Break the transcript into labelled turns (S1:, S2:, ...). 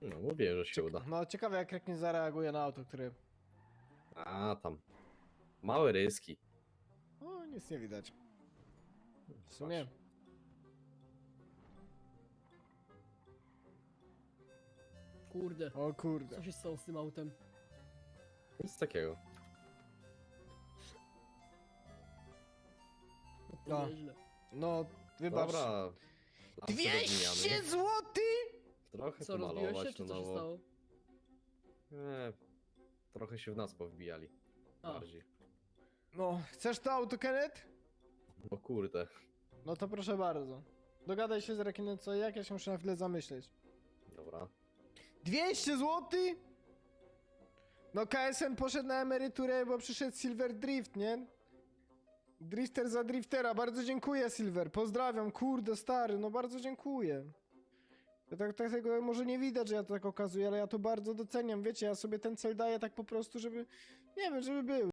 S1: No, mówię, że się uda.
S2: No ciekawe jak Rek nie zareaguje na auto, które...
S1: A tam. Małe ryski.
S2: O, nic nie widać. W sumie.
S3: Kurde,
S2: O kurde.
S3: co się stało z tym autem?
S1: Nic takiego.
S3: No,
S2: No.
S3: nieźle.
S2: No, wybacz.
S1: Dobra.
S2: 200 złotych?
S1: Trochę
S3: Co, rozbiłeś się,
S1: pomalować
S3: czy
S1: to
S3: co się
S1: nowo.
S3: stało?
S1: Nie, trochę się w nas powbijali.
S3: A.
S1: Bardziej.
S2: No, chcesz to auto, Kenneth?
S1: No kurde.
S2: No to proszę bardzo. Dogadaj się z Rekinem co i jak, ja się muszę na chwilę zamyśleć.
S1: Dobra.
S2: 200 złotych? No KSN poszedł na emeryturę, bo przyszedł Silver Drift, nie? Drifter za driftera, bardzo dziękuję Silver, pozdrawiam, kurde stary, no bardzo dziękuję. Ja tak tego może nie widać, że ja to tak okazuję, ale ja to bardzo doceniam, wiecie, ja sobie ten cel daję tak po prostu, żeby, nie wiem, żeby był,